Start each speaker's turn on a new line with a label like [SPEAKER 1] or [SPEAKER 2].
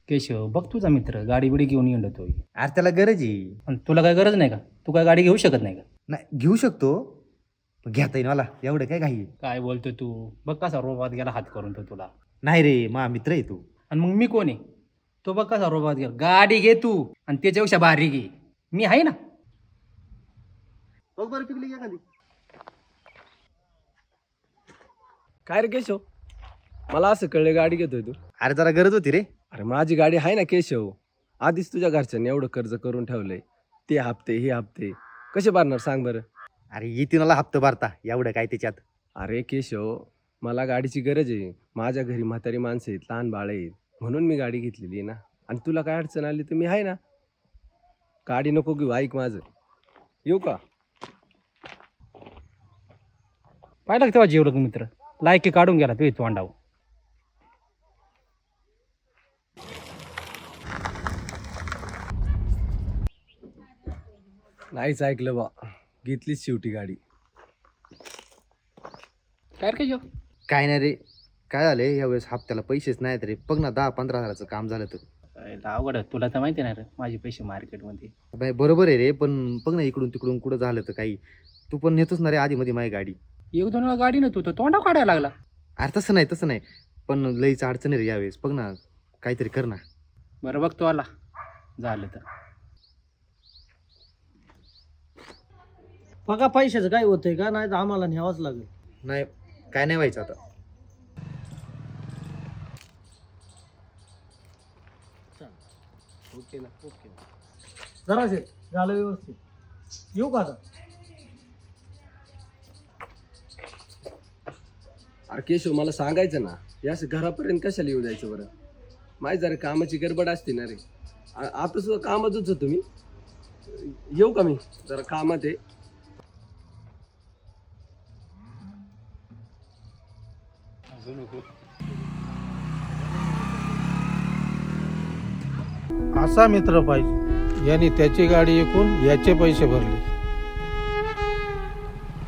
[SPEAKER 1] केशव बघ तुझा मित्र गाडी बिडी घेऊन येतोय.
[SPEAKER 2] अरे त्याला गरज आहे.
[SPEAKER 1] पण तुला काय गरज नाही का? तू काय गाडी घेऊ शकत नाही का?
[SPEAKER 2] नाही घेऊ शकतो पण घेता येईल मला, एवढं काय घाई आहे?
[SPEAKER 1] काय बोलतो तू? बघ कसा रोबात गेला हात करून तो तुला.
[SPEAKER 2] नाही रे मा मित्र आहे तू.
[SPEAKER 1] आणि मग मी कोण आहे? तो बघ कसा रोबात गेला. गाडी घे तू आणि त्याच्यापेक्षा भारी घे. मी आहे ना.
[SPEAKER 2] बघ बरं पिकली एखादी.
[SPEAKER 3] काय रे केशव, मला असं कळलं गाडी घेतोय तू?
[SPEAKER 2] अरे जरा गरज होती रे.
[SPEAKER 3] अरे माझी गाडी आहे ना केशव. आधीच तुझ्या घरच्यांनी एवढं कर्ज करून ठेवलंय. ते हप्ते हे हप्ते कसे भरणार सांग बरं?
[SPEAKER 2] अरे येते मला हप्ता भरता, एवढं काय त्याच्यात.
[SPEAKER 3] अरे केशव, मला गाडीची गरज आहे. माझ्या घरी म्हातारी माणसं आहेत, लहान बाळ आहेत, म्हणून मी गाडी घेतलेली आहे ना. आणि तुला काय अडचण आली तर मी आहे ना. गाडी नको घेऊ, ऐक माझं. येऊ का?
[SPEAKER 1] पाहिलं का तेव्हा जेवढं मित्र लायकी काढून गेला तू तोंडावर.
[SPEAKER 3] नाहीच ऐकलं बा, घेतलीच शेवटी गाडी.
[SPEAKER 1] काय रे केशव?
[SPEAKER 2] काय नाही रे, काय झालंय यावेळेस हप्त्याला पैसेच नाहीत रे. बघ ना 10-15 हजाराचं काम झालं तर.
[SPEAKER 1] अवघड आहे. तुला तर माहिती नाही रे माझे पैसे मार्केटमध्ये.
[SPEAKER 2] बाय बरोबर आहे रे, पण बघ ना इकडून तिकडून कुठं झालं तर काही. तू पण नेतोच ना रे आधी मध्ये माझी गाडी.
[SPEAKER 1] एक दोन वेळा गाडी ना तू तर तोंडावर काढायला लागला.
[SPEAKER 2] अरे तसं नाही पण लईच अडचण आहे रे यावेळेस. बघ ना काहीतरी कर ना.
[SPEAKER 1] बरं बघ तो आला झालं तर.
[SPEAKER 4] बघा पैशाचं काय होतंय का, नाही तर आम्हाला न्यावंच लागेल.
[SPEAKER 2] नाही काय नाही व्हायचं आता.
[SPEAKER 3] ओके ना.
[SPEAKER 4] ओके जराशे झालं व्यवस्थित. येऊ का आता?
[SPEAKER 3] अरे केशव, मला सांगायचं ना, या असं घरापर्यंत कशाला येऊ द्यायचं बरं? माझी जरा कामाची गडबड असते ना रे. आता सुद्धा कामातच होतो मी. येऊ का मी? जरा कामात आहे.
[SPEAKER 5] असा मित्र पाहिजे, याने त्याची गाडी विकून याचे पैसे भरले.